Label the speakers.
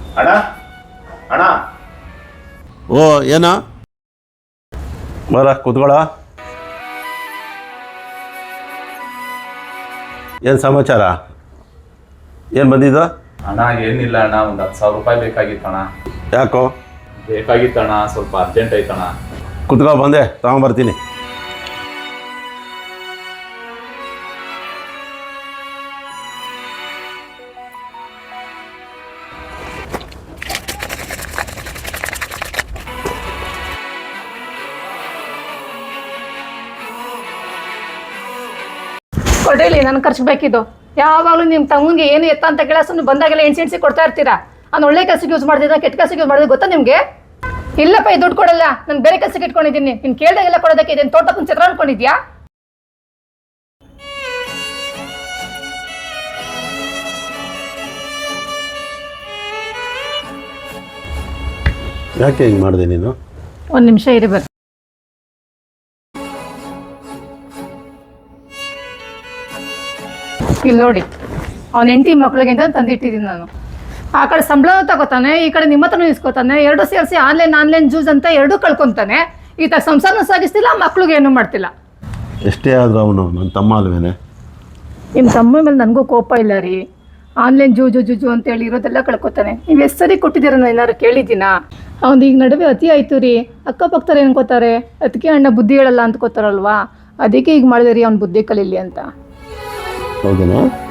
Speaker 1: ಅಣ್ಣ ಅಣ್ಣ
Speaker 2: ಓ ಏನ ಬರ ಕೂತ್ಕೊಳ್ಳ. ಏನು ಸಮಾಚಾರ? ಏನು ಬಂದಿದ್ದು?
Speaker 1: ಅಣ್ಣ ಏನಿಲ್ಲ ಅಣ್ಣ, ಒಂದು 10,000 ರೂಪಾಯಿ ಬೇಕಾಗಿತ್ತಣ್ಣ.
Speaker 2: ಯಾಕೋ?
Speaker 1: ಬೇಕಾಗಿತ್ತಣ್ಣ, ಸ್ವಲ್ಪ ಅರ್ಜೆಂಟ್ ಐತಣ್ಣ.
Speaker 2: ಕುತ್ಕೊ, ಬಂದೆ ತಗೊಂಬರ್ತೀನಿ.
Speaker 3: ಕೊಡ್ರಿ, ನನ್ಗೆ ಖರ್ಚು ಬೇಕಿದ್ದು. ಯಾವಾಗಲೂ ನಿಮ್ಮ ತಮ್ಮಂಗೆ ಏನು ಎತ್ತ ಅಂತ ಕೇಳ ಸುಮ್ಮನೆ ಬಂದಾಗೆಲ್ಲ ಎಣ್ಸಿ ಕೊಡ್ತಾ ಇರ್ತೀರಾ. ನಾನು ಒಳ್ಳೆ ಕೆಲಸಕ್ಕೆ ಯೂಸ್ ಮಾಡ್ತಿದ್ದ, ಕೆಟ್ಟ ಕೆಲಸಕ್ಕೆ ಯೂಸ್ ಮಾಡಿದ್ರೆ ಗೊತ್ತಾ ನಿಮಗೆ? ಇಲ್ಲಪ್ಪ, ಈ ದುಡ್ಡು ಕೊಡಲ್ಲ, ನಾನು ಬೇರೆ ಕೆಲಸಕ್ಕೆ ಇಟ್ಕೊಂಡಿದ್ದೀನಿ. ನೀನು ಕೇಳಿದಾಗೆಲ್ಲ ಕೊಡೋದಕ್ಕೆ ಇದೇನು ತೋಟಪ್ಪನ ಚಿತ್ರ ಅನ್ಕೊಂಡಿದ್ಯಾ?
Speaker 2: ಯಾಕೆ ಹಿಂಗೆ ಮಾಡಿದೆ ನೀನು?
Speaker 3: ಒಂದು ನಿಮಿಷ ಇರಬೇಕು. ಇಲ್ಲಿ ನೋಡಿ, ಅವ್ನ ಹೆಂಡತಿ ಮಕ್ಳಿಗೆ ಅಂತ ತಂದಿಟ್ಟಿದ್ದೀನಿ ನಾನು. ಆ ಕಡೆ ಸಂಬಳ ತಗೋತಾನೆ, ಈ ಕಡೆ ನಿಮ್ಮ ಹತ್ರನೂ ಇಸ್ಕೋತಾನೆ. ಎರಡು ಸೇರಿಸಿ ಆನ್ಲೈನ್ ಜ್ಯೂಸ್ ಅಂತ ಎರಡೂ ಕಳ್ಕೊತಾನೆ. ಈತ ಸಂಸಾರನೂ ಸಾಗಿಸ್ತಿಲ್ಲ, ಮಕ್ಳಿಗೆ ಏನೂ ಮಾಡ್ತಿಲ್ಲ.
Speaker 2: ಎಷ್ಟೇ ಆದರೂ ಅವನು ನನ್ನ ತಮ್ಮ ಅಲ್ವೇನೆ?
Speaker 3: ನಿಮ್ಮ ತಮ್ಮ ಮೇಲೆ ನನಗೂ ಕೋಪ ಇಲ್ಲ ರೀ. ಆನ್ಲೈನ್ ಜೂಜು ಅಂತೇಳಿ ಇರೋದೆಲ್ಲ ಕಳ್ಕೊತಾನೆ. ನೀವು ಎಷ್ಟು ಸರಿ ಕೊಟ್ಟಿದ್ದೀರ, ನಾನು ಏನಾದ್ರು ಕೇಳಿದ್ದೀನಾ? ಅವ್ನು ಈಗ ನಡುವೆ ಅತಿ ಆಯಿತು ರೀ. ಅಕ್ಕಪಕ್ಕದವ್ರು ಏನ್ಕೋತಾರೆ, ಅದಕ್ಕೆ ಅಣ್ಣ ಬುದ್ಧಿ ಹೇಳಲ್ಲ ಅಂದ್ಕೋತಾರಲ್ವಾ, ಅದಕ್ಕೆ ಈಗ ಮಾಡಿದೆ ರೀ ಅವ್ನು ಬುದ್ಧಿ ಕಲೀಲಿ ಅಂತ.
Speaker 2: ಹೌದೇನಾ?